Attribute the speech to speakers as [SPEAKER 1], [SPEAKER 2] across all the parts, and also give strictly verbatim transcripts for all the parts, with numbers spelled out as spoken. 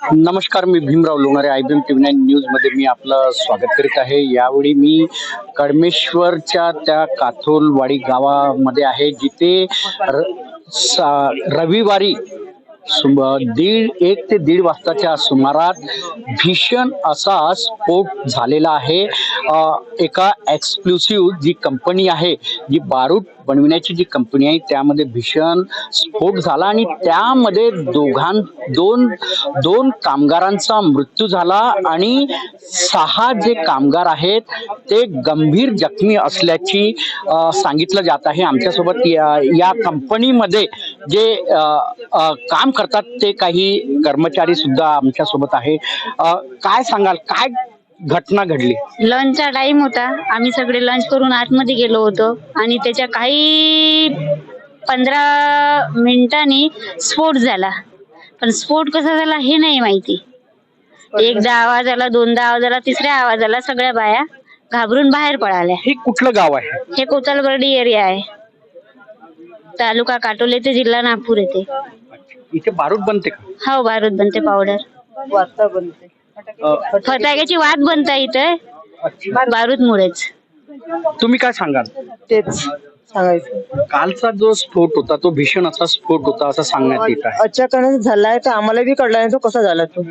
[SPEAKER 1] नमस्कार, मी Bhimrao Lonare. I B M T V nine news मध्ये मी आपलं स्वागत करीत आहे. यावेळी मी कडमेश्वरच्या त्या काथोलवाडी गावामध्ये आहे, जिथे र, सा- रविवारी सुम दीड एक ते दीड वाजताच्या सुमारात भीषण असा स्फोट झालेला आहे. अ, एका एक्सक्लुसिव्ह जी कंपनी आहे, जी बारूद बनविण्याची जी कंपनी आहे, त्यामध्ये भीषण स्फोट झाला आणि त्यामध्ये दोघां दोन दोन कामगारांचा मृत्यू झाला आणि सहा जे कामगार आहेत ते गंभीर जखमी असल्याची अ, सांगितलं जात आहे. आमच्यासोबत या, या कंपनीमध्ये जे अ, अ, काम करतात ते काही कर्मचारी सुद्धा आमच्या सोबत आहे. अ, काय सांगाल, काय घटना घडली?
[SPEAKER 2] लंचचा टाइम होता. आम्ही सगळे लंच करून आतमध्ये गेलो होतो आणि त्याच्या काही पंधरा मिनिटांनी स्फोट झाला. पण स्फोट कसा झाला हे नाही माहिती. एकदा आवाज आला, दोनदा आवाज आला, तिसऱ्या आवाजाला सगळ्या बाया घाबरून बाहेर पळाल्या.
[SPEAKER 1] हे कुठलं गाव आहे?
[SPEAKER 2] हे कोतलबर्डी एरिया आहे, तालुका काटोल येथे, जिल्हा नागपूर येथे.
[SPEAKER 1] इथे बारूद बनते का?
[SPEAKER 2] हो, बारूद बनते, पावडर
[SPEAKER 3] वाजता बनते.
[SPEAKER 1] अ,
[SPEAKER 2] फटाक्याची वात बनता इथे बारूद मुळेच.
[SPEAKER 1] तुम्ही काय सांगाल?
[SPEAKER 3] तेच सांगायचं.
[SPEAKER 1] कालचा जो स्फोट होता तो भीषण असा स्फोट होता असं सांगण्यात येत आहे.
[SPEAKER 3] अचानक झालाय तर आम्हाला बी कळला नाही तो कसा झाला तो.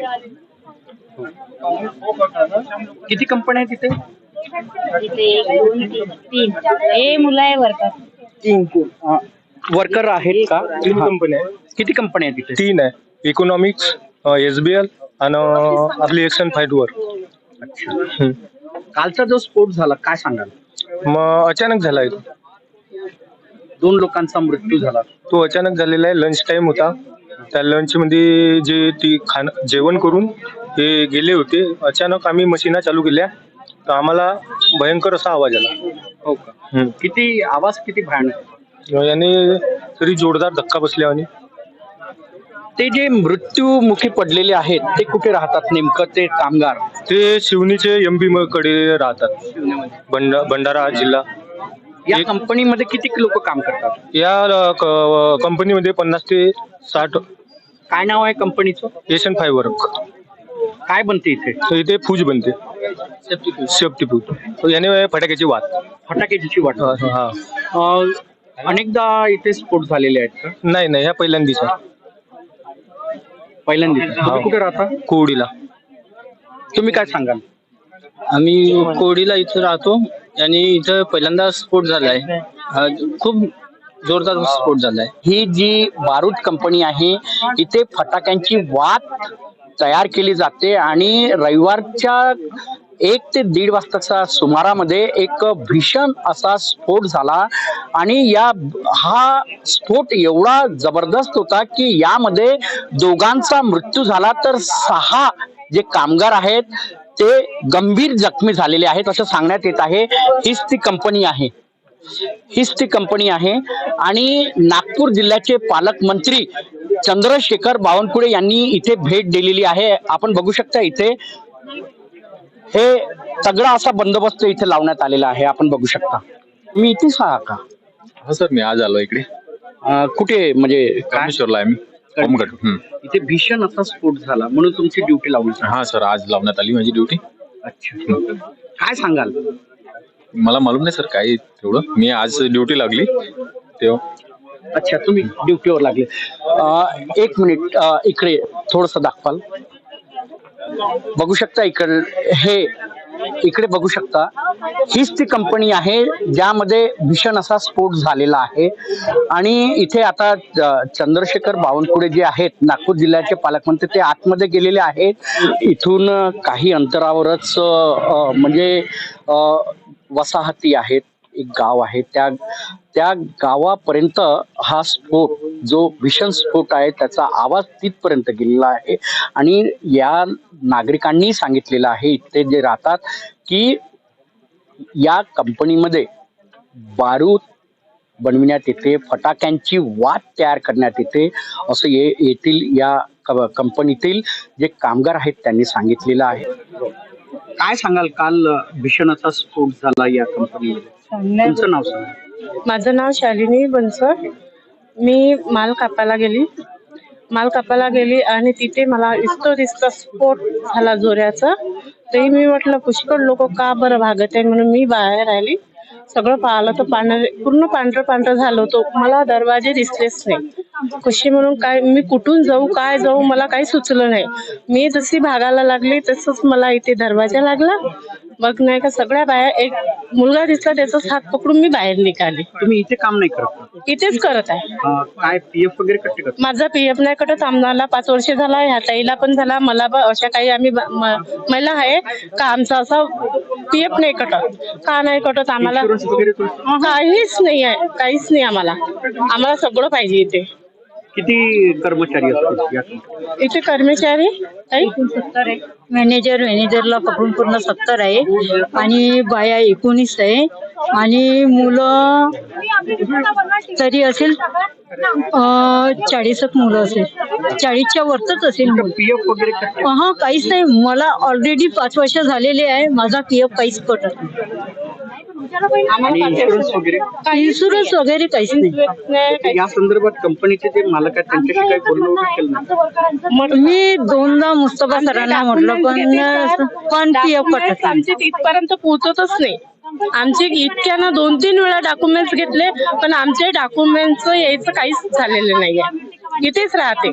[SPEAKER 1] किती कंपन्या आहेत तिथे?
[SPEAKER 2] इथे एक, दोन, तीन, तीन हे मुलं आहे वर्कर.
[SPEAKER 3] तीन
[SPEAKER 1] वर्कर आहेत का?
[SPEAKER 4] तीन
[SPEAKER 1] हा.
[SPEAKER 4] कंपन्या आहेत.
[SPEAKER 1] किती कंपन्या आहेत तिथे?
[SPEAKER 4] तीन आहे, इकॉनॉमिक्स, एसबीएल आणि आपली एक्शन फाईट वर. हम्म.
[SPEAKER 1] कालचा जो स्फोट झाला काय सांगाल?
[SPEAKER 4] मग अचानक झालाय तो.
[SPEAKER 1] दोन लोकांचा मृत्यू झाला.
[SPEAKER 4] तो अचानक झालेला आहे. लंच टाइम होता. त्या लंच मध्ये जे ती खाण जेवण करून ते गेले होते. अचानक आम्ही मशीना चालू केल्या तर आम्हाला भयंकर असा आवाज आला.
[SPEAKER 1] हो का?
[SPEAKER 4] हम्म.
[SPEAKER 1] किती आवाज किती भयानक?
[SPEAKER 4] याने तरी जोरदार धक्का बसल्या आणि
[SPEAKER 1] ते जे मृत्यूमुखी पडलेले आहेत ते कुठे राहतात नेमकं, ते कामगार?
[SPEAKER 4] ते शिवनीचे एमपी कडे राहतात, भंड भंडारा जिल्हा.
[SPEAKER 1] या
[SPEAKER 4] एक-
[SPEAKER 1] कंपनीमध्ये किती लोक काम करतात?
[SPEAKER 4] या क- कंपनीमध्ये पन्नास ते साठ.
[SPEAKER 1] काय नाव आहे कंपनीचं?
[SPEAKER 4] Asian fibre.
[SPEAKER 1] काय बनते इथे?
[SPEAKER 4] तर इथे फूज बनते, सेफ्टी फूज. तर याने फटाक्याची वात.
[SPEAKER 1] फटाक्याची वाट.
[SPEAKER 4] हा.
[SPEAKER 1] अं, अनेकदा इथे स्फोट झालेले आहेत का?
[SPEAKER 4] नाही नाही, ह्या पहिल्यांदाच आहे.
[SPEAKER 1] पहिल्यांदा. तुम्ही कुठे राहता?
[SPEAKER 4] कोवडीला.
[SPEAKER 1] तुम्ही काय सांगाल?
[SPEAKER 5] आम्ही कोडीला इथे राहतो आणि इथं पहिल्यांदा स्फोट झालाय. अ, खूप जोरदार स्फोट झालाय.
[SPEAKER 1] ही जी बारूद कंपनी आहे, इथे फटाक्यांची वात तयार केली जाते आणि रविवारच्या एक ते दीड वाजताच्या सुमारामध्ये एक भीषण असा स्फोट झाला आणि या हा स्फोट एवढा जबरदस्त होता की यामध्ये दोघांचा मृत्यू झाला तर सहा जे कामगार आहेत ते गंभीर जखमी झालेले आहेत असं सांगण्यात येत आहे. हीच ती कंपनी आहे हीच ती कंपनी आहे आणि नागपूर जिल्ह्याचे पालकमंत्री चंद्रशेखर बावनकुळे यांनी इथे भेट दिलेली आहे. आपण बघू शकता इथे हे तगडा असा बंदोबस्त इथे लावण्यात आलेला आहे. आपण बघू शकता. मी इथेच आहे का?
[SPEAKER 6] हो सर, मी आज आलो इकडे.
[SPEAKER 1] अं, कुठे म्हणजे काय?
[SPEAKER 6] कामेश्वरला आहे मी. होमगार्ड. हम्म.
[SPEAKER 1] इथे भीषण असा स्फोट झाला म्हणून तुमची ड्युटी लावली.
[SPEAKER 6] हा सर, आज लावण्यात आली माझी ड्युटी.
[SPEAKER 1] अच्छा, काय सांगाल?
[SPEAKER 6] मला मालूम नाही सर काय तेवढं. मी आज ड्युटी लागली तेव्हा.
[SPEAKER 1] अच्छा, तुम्ही ड्युटीवर लागले. अं, एक मिनिट, अं, इकडे थोडस दाखवाल? बघू शकता इकडे, हे इकडे बघू शकता. हीच ती कंपनी आहे ज्यामध्ये भीषण असा स्फोट झालेला आहे आणि इथे आता चंद्रशेखर बावनकुळे जे आहेत नागपूर जिल्ह्याचे पालकमंत्री ते आतमध्ये गेलेले आहेत. इथून काही अंतरावरच अ, म्हणजे अ, वसाहती आहेत, एक गाव आहे, त्या त्या गावापर्यंत हा स्फोट जो भीषण स्फोट आहे त्याचा आवाज तिथपर्यंत गेलेला आहे आणि या नागरिकांनी सांगितलेलं आहे इथे जे राहतात की या कंपनीमध्ये बारूद बनविण्यात येते, फटाक्यांची वात तयार करण्यात येते असं ये येथील या कंपनीतील जे कामगार आहेत त्यांनी सांगितलेलं आहे. काय सांगाल, काल भीषण असा स्फोट झाला या कंपनीमध्ये? तुमचं नाव सांगा.
[SPEAKER 3] माझं नाव शालिनी बनसोड. मी माल कापायला गेली
[SPEAKER 7] माल कापायला गेली आणि तिथे मला इस्तो दिसता स्फोट झाला जोराचा. तरी मी म्हटलं पुष्कळ लोक का बरं भागत आहे म्हणून मी बाहेर आली. सगळं पाहिलं तर पांढरे पूर्ण पांढरं पांढरं झालं होतं. मला दरवाजे दिसलेच नाही. कशी म्हणून काय मी कुठून जाऊ काय जाऊ मला काही सुचलं नाही. मी जशी भागायला लागली तसंच मला इथे दरवाजा लागला. मग नाही का सगळ्या बाहेर एक मुलगा दिसला त्याचाच हात पकडून मी बाहेर निघाली.
[SPEAKER 1] तुम्ही इथे काम नाही करत का?
[SPEAKER 7] इथेच करत आहे.
[SPEAKER 1] अं, काय पीएफ वगैरे कट्टे करता?
[SPEAKER 7] माझा पीएफ नाही कटत. आम्हाला पाच वर्ष झाला. ह्या ताईला पण झाला. मला पण अशा काही आम्ही ब- म- महिला आहे का आमचा असा पीएफ नाही कटत. का नाही कटत आम्हाला
[SPEAKER 1] Insurance वगैरे तुम्ही-
[SPEAKER 7] काहीच नाही आहे. काहीच नाही आम्हाला. आम्हाला सगळं पाहिजे इथे.
[SPEAKER 1] किती कर्मचारी असतील या कंपनीत?
[SPEAKER 7] इथे कर्मचारी ताई
[SPEAKER 2] मॅनेजर मॅनेजरला पकडून पूर्ण सत्तर आहे आणि बाया एकोणीस आहे आणि मुलं तरी असेल अं, चाळीस एक मुलं असेल. चाळीसच्या वरतच असेल मुलं.
[SPEAKER 1] पीएफ वगैरे कट्टे
[SPEAKER 2] हा काहीच नाही. मला ऑलरेडी पाच वर्ष झालेले आहे. माझा पीएफ काहीच कटत
[SPEAKER 1] आणि इन्शुरन्स वगैरे
[SPEAKER 2] नाही. इन्शुरन्स वगैरे काहीच नाही.
[SPEAKER 1] या संदर्भात कंपनीचे जे मालक आहेत त्यांच्याशी काही बोलणं वगैरे केलं नाही?
[SPEAKER 2] मी दोनदा मुस्तफा सरांना म्हटलं पण पण पीएफ कटत नाही.
[SPEAKER 7] आमचे इथपर्यंत पोहोचतच नाही. आमचे इतक्यानं दोन तीन वेळा डॉक्युमेंट्स घेतले पण आमचे डॉक्युमेंट्स यायचं काहीच झालेलं नाहीये. इथेच राहते.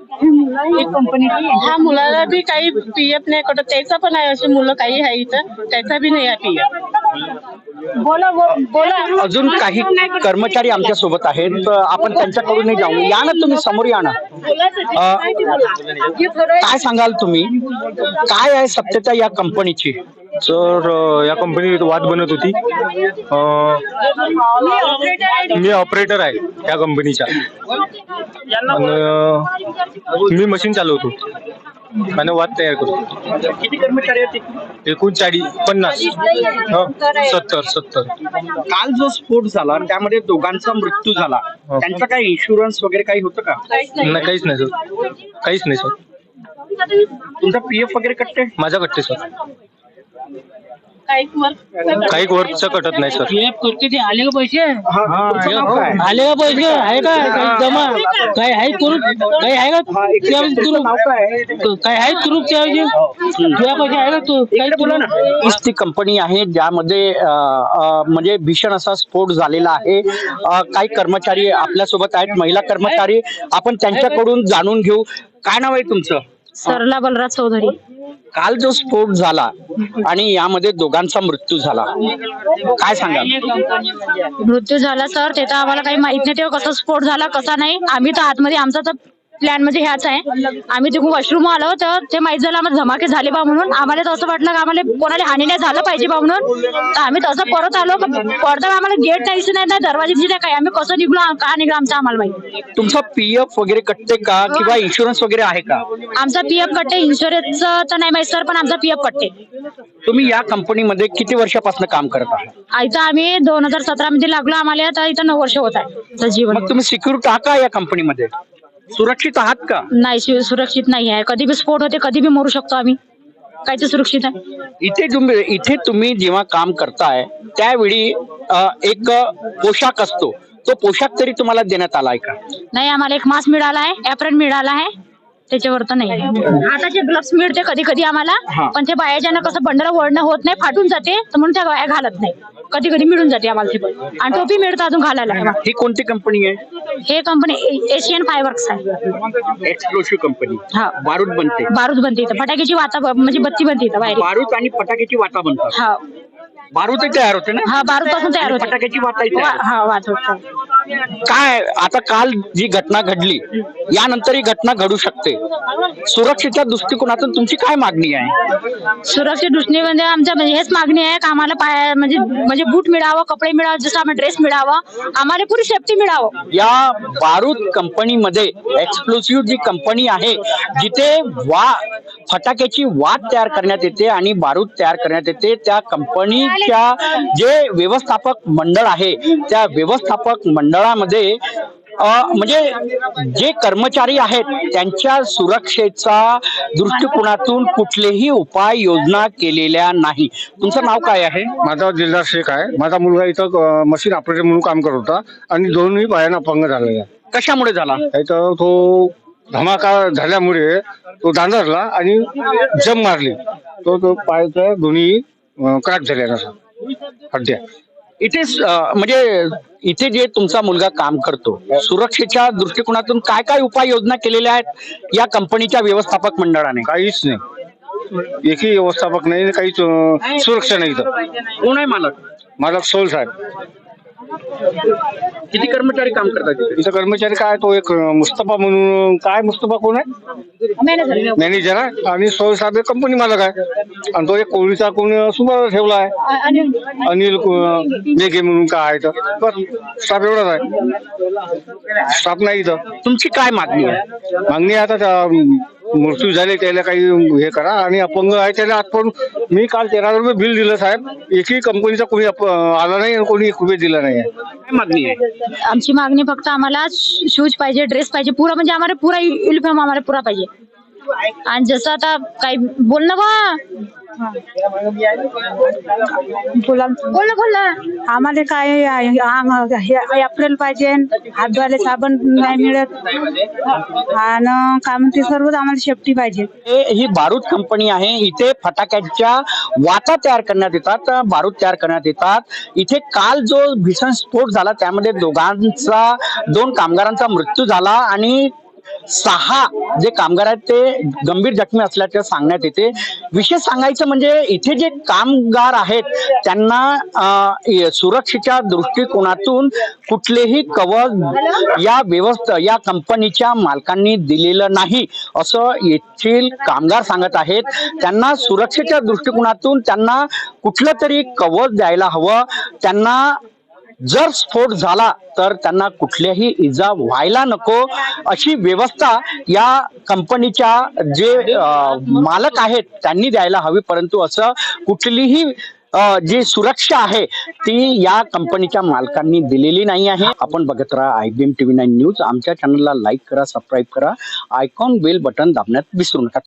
[SPEAKER 7] ह्या मुलाला बी काही पीएफ नाही कटत. त्याचा पण आहे. अशी मुलं काही आहे इथं त्याचा बी नाही आहे पीएफ. बोला बोला.
[SPEAKER 1] अजून काही कर्मचारी आमच्या सोबत आहेत. तर आपण त्यांच्याकडून जाऊ. या ना तुम्ही समोर या ना. काय सांगाल तुम्ही? काय आहे सत्यता या कंपनीची?
[SPEAKER 4] सर अ, या कंपनीत वाद बनत होती. अ, मी ऑपरेटर आहे या कंपनीच्या आणि अ, मी मशीन चालवतो आणि वाद तयार करतो.
[SPEAKER 1] किती कर्मचारी आहेत?
[SPEAKER 4] एकूण चाळीस पन्नास ह, सत्तर सत्तर
[SPEAKER 1] काल जो स्फोट झाला त्यामध्ये दोघांचा मृत्यू झाला. त्यांचा काही इन्शुरन्स वगैरे काही होतं का?
[SPEAKER 4] नाही काहीच नाही सर. काहीच नाही सर.
[SPEAKER 1] तुमचा पीएफ वगैरे कट्टे?
[SPEAKER 4] माझा कट्टे सर.
[SPEAKER 7] काही वर्क
[SPEAKER 4] काही वर्कचं कटत नाही सर.
[SPEAKER 5] पीएफ करते ते आले का पैसे
[SPEAKER 1] तुमचं नाव काय?
[SPEAKER 5] आले का पैसे आहे का काही जमा काही आहे करू काही आहे का त्यावेळी
[SPEAKER 1] तुमचं
[SPEAKER 5] करू
[SPEAKER 1] नाव काय?
[SPEAKER 5] काही आहे करू त्यावेळी तुझ्या पैसे आहे का तू काही
[SPEAKER 1] बोला ना. हीच ती कंपनी आहे ज्यामध्ये अ, अ, म्हणजे भीषण असा स्फोट झालेला आहे. अ, काही कर्मचारी आपल्या सोबत आहेत, महिला कर्मचारी. आपण त्यांच्याकडून जाणून घेऊ. काय नाव आहे तुमचं?
[SPEAKER 2] सरला बलराज चौधरी.
[SPEAKER 1] काल जो स्फोट झाला आणि यामध्ये दोघांचा मृत्यू झाला, काय सांगाल?
[SPEAKER 2] मृत्यू झाला सर ते तर आम्हाला काही माहित नाही. तेव्हा कसा स्फोट झाला कसा नाही. आम्ही तर आतमध्ये आमचा तर प्लॅन म्हणजे ह्याच आहे. आम्ही तिकडून वॉशरूम आलो तर ते माहित झालं आम्हाला धमाके झाले बा म्हणून. आम्हाला तर असं वाटलं की आम्हाला कोणाला हानी नाही झालं पाहिजे बा म्हणून. तर आम्ही तसं परत आलो. पडदा आम्हाला गेट नाही दिसत नाही दरवाजे दिसत नाही. काय आम्ही कसं निघलो का निघलो आमचं आम्हाला माहिती.
[SPEAKER 1] तुमचा पीएफ वगैरे कटते का किंवा इन्शुरन्स वगैरे आहे का?
[SPEAKER 2] आमचा पीएफ कट्टे. इन्शुरन्स तर नाही माहित सर पण आमचा पीएफ कट्टे.
[SPEAKER 1] तुम्ही या कंपनीमध्ये किती वर्षापासून काम करत आहात?
[SPEAKER 2] इथं आम्ही दोन हजार सतरा मध्ये लागलो. आम्हाला आता इथं नऊ वर्ष होत आहे तर जीवन.
[SPEAKER 1] मग तुम्ही सिक्युरिटी आहात का या कंपनीमध्ये? सुरक्षित आहात का?
[SPEAKER 2] नाही सु- सुरक्षित नाही आहे. कधी बी स्फोट होते कधी बी मरू शकतो आम्ही. काय ते सुरक्षित आहे?
[SPEAKER 1] इथे तुम्ही इथे तुम्ही जेव्हा काम करताय त्यावेळी अ, एक पोशाख असतो. तो पोशाख तरी तुम्हाला देण्यात आलाय का?
[SPEAKER 2] नाही आम्हाला एक मास्क मिळाला आहे. ऍप्रन मिळाला आहे. त्याच्यावर तर नाही. हाताचे ग्लव्स मिळते कधी कधी आम्हाला
[SPEAKER 1] हा.
[SPEAKER 2] पण ते बायाच्यानं कसं बंडला ओढणं होत नाही फाटून जाते तर म्हणून त्या बाया घालत नाही. कधी कधी मिळून जाते आम्हाला ते पण. आणि टोपी मिळतं अजून घालायला.
[SPEAKER 1] ही कोणती कंपनी आहे?
[SPEAKER 2] हे कंपनी एशियन फायवर्क्स आहे.
[SPEAKER 1] Explosive company.
[SPEAKER 2] हा.
[SPEAKER 1] बारूद बनते.
[SPEAKER 2] बारूद बनते इथं. फटाक्याची वाता म्हणजे बत्ती बनते इथं बाहेर.
[SPEAKER 1] बारूद आणि फटाक्याची वाटा बनतात.
[SPEAKER 2] हा
[SPEAKER 1] बारूद तयार होते ना?
[SPEAKER 2] हा बारूद पासून तयार
[SPEAKER 1] आणि
[SPEAKER 2] होते.
[SPEAKER 1] फटाक्याची वाटा इथे आहे.
[SPEAKER 2] हा वात होतं.
[SPEAKER 1] काय आता काल जी घटना घडली यानंतर ही घटना घडू शकते. सुरक्षेच्या दृष्टिकोनातून तुमची काय मागणी आहे?
[SPEAKER 2] सुरक्षित दृष्टीने आमच्या म्हणजे हेच मागणी आहे की आम्हाला पाय म्हणजे म्हणजे बूट मिळावं, कपडे मिळावं, जसं आम्हाला ड्रेस मिळावा, आम्हाला पुरी सेफ्टी मिळावं.
[SPEAKER 1] या बारूद कंपनीमध्ये एक्सप्लोसिव्ह जी कंपनी आहे जिथे वा फटाक्याची वात तयार करण्यात येते आणि बारूद तयार करण्यात येते, त्या कंपनीच्या जे व्यवस्थापक मंडळ आहे त्या व्यवस्थापक मंडळामध्ये अ, म्हणजे जे कर्मचारी आहेत त्यांच्या सुरक्षेचा दृष्टिकोनातून कुठलेही उपाय योजना केलेल्या नाही. तुमचं नाव काय आहे?
[SPEAKER 8] माझा दिलदार शेख आहे. माझा मुलगा इथं अ, मशीन ऑपरेटर म्हणून काम करत होता आणि दोन्ही पायानं अपंग झालेला आहे.
[SPEAKER 1] कशामुळे झाला?
[SPEAKER 8] इथं तो धमाका झाल्यामुळे तो दांदरला आणि जम मारली. तो तो पायाच्या दोन्ही क्रॅक झाल्या नसा हड्ड्या.
[SPEAKER 1] इथे स- अं, म्हणजे इथे जे तुमचा मुलगा काम करतो सुरक्षेच्या दृष्टिकोनातून काय काय उपाययोजना केलेल्या आहेत या कंपनीच्या व्यवस्थापक मंडळाने?
[SPEAKER 8] काहीच नाही, एकही व्यवस्थापक नाही, काहीच अं, सुरक्षा नाही इथं.
[SPEAKER 1] कोण आहे मालक?
[SPEAKER 8] मालक सोल साहेब.
[SPEAKER 1] किती कर्मचारी काम करतात तिथे?
[SPEAKER 8] इथं कर्मचारी काय, तो एक अं, मुस्तफा म्हणून, काय मुस्तफा कोण आहे, मॅनेजर आहे, आणि सोल साहेब एक कंपनी मालक आहे, आणि तो एक कोळीचा कोण सुपर ठेवला आहे, अनिल अं, मेघे म्हणून काय आहे. तर बस स्टाफ एवढाच आहे, स्टाफ नाही इथं.
[SPEAKER 1] तुमची काय मागणी आहे?
[SPEAKER 8] मागणी आहे आता त्या मृत्यू झाले त्याला काही हे करा, आणि अपंग आहे त्याला आजपर्यंत मी काल तेरा रुपये बिल दिलं साहेब, एकही कंपनीचा कोणी अप- आला नाही आणि कोणी एक रुपये दिला नाही.
[SPEAKER 1] काय मागणी आहे?
[SPEAKER 2] आमची मागणी फक्त आम्हाला शूज पाहिजे, ड्रेस पाहिजे, पुरा म्हणजे आम्हाला पुरा युनिफॉर्म आम्हाला पुरा पाहिजे. आणि जसं आता काही बोल ना बा बोला बोल ना बोल ना.
[SPEAKER 7] आम्हाला काय एप्रिल पाहिजे, हात धुवायला साबण नाही मिळत, आणि काय म्हणते सर्व आम्हाला सेफ्टी पाहिजे.
[SPEAKER 1] हे- ही बारूद कंपनी आहे. इथे फटाक्याच्या वाता तयार करण्यात येतात, बारूद तयार करण्यात येतात. इथे काल जो भीषण स्फोट झाला त्यामध्ये दोघांचा दोन कामगारांचा मृत्यू झाला आणि सहा जे कामगार आहेत ते गंभीर जखमी असल्याचे सांगण्यात येते. विशेष सांगायचं म्हणजे इथे जे कामगार आहेत त्यांना अं, य- सुरक्षेच्या दृष्टिकोनातून कुठलेही कवच या व्यवस्था या कंपनीच्या मालकांनी दिलेलं नाही असं येथील कामगार सांगत आहेत. त्यांना सुरक्षेच्या दृष्टिकोनातून त्यांना कुठलं तरी कवच द्यायला हवं. त्यांना जर स्फोट झाला तर त्यांना कुठल्याही इजा व्हायला नको अशी व्यवस्था या कंपनीच्या जे अं, मालक आहेत त्यांनी द्यायला हवी. परंतु असं कुठलीही अं, जी सुरक्षा आहे ती या कंपनीच्या मालकांनी दिलेली नाही आहे. आपण बघत राहा I B M TV nine news. आमच्या चॅनलला लाईक करा, सबस्क्राईब करा, आयकॉन बेल बटन दाबण्यात विसरू नका.